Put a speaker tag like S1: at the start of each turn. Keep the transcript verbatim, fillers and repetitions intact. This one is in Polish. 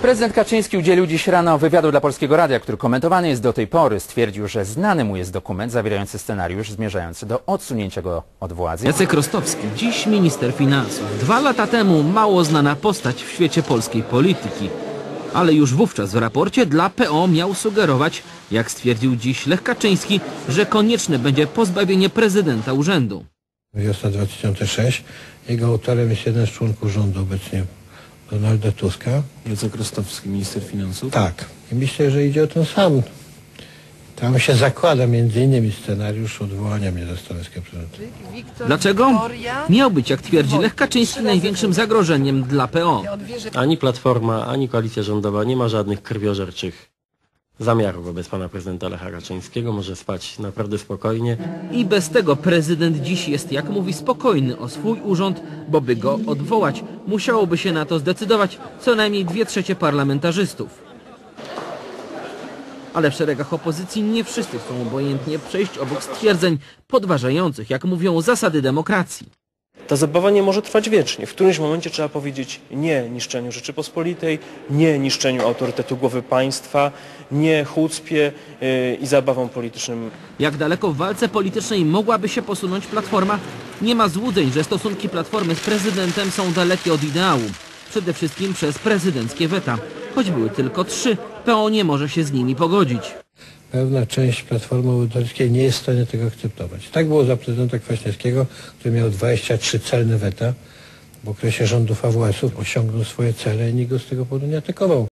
S1: Prezydent Kaczyński udzielił dziś rano wywiadu dla Polskiego Radia, który komentowany jest do tej pory. Stwierdził, że znany mu jest dokument zawierający scenariusz zmierzający do odsunięcia go od władzy.
S2: Jacek Rostowski, dziś minister finansów. Dwa lata temu mało znana postać w świecie polskiej polityki. Ale już wówczas w raporcie dla P O miał sugerować, jak stwierdził dziś Lech Kaczyński, że konieczne będzie pozbawienie prezydenta urzędu.
S3: Wiosna dwa tysiące szósty. Jego autorem jest jeden z członków rządu obecnie, Donalda Tuska.
S4: Jacek Rostowski, minister finansów?
S3: Tak. I myślę, że idzie o ten sam. Tam się zakłada między innymi scenariusz odwołania mnie ze stanowiska prezydenta.
S2: Dlaczego? Miał być, jak twierdzi Lech Kaczyński, największym zagrożeniem dla P O.
S5: Ani Platforma, ani koalicja rządowa nie ma żadnych krwiożerczych zamiarów wobec pana prezydenta Lecha Kaczyńskiego. Może spać naprawdę spokojnie.
S2: I bez tego prezydent dziś jest, jak mówi, spokojny o swój urząd, bo by go odwołać, musiałoby się na to zdecydować co najmniej dwie trzecie parlamentarzystów. Ale w szeregach opozycji nie wszyscy chcą obojętnie przejść obok stwierdzeń podważających, jak mówią, zasady demokracji.
S6: Ta zabawa nie może trwać wiecznie. W którymś momencie trzeba powiedzieć nie niszczeniu Rzeczypospolitej, nie niszczeniu autorytetu głowy państwa, nie chucpie yy, i zabawom politycznym.
S2: Jak daleko w walce politycznej mogłaby się posunąć Platforma? Nie ma złudzeń, że stosunki Platformy z prezydentem są dalekie od ideału. Przede wszystkim przez prezydenckie weta. Choć były tylko trzy, P O nie może się z nimi pogodzić.
S3: Pewna część Platformy Obywatelskiej nie jest w stanie tego akceptować. Tak było za prezydenta Kwaśniewskiego, który miał dwadzieścia trzy celne weta. W okresie rządów A W S-ów osiągnął swoje cele i nikt go z tego powodu nie atakował.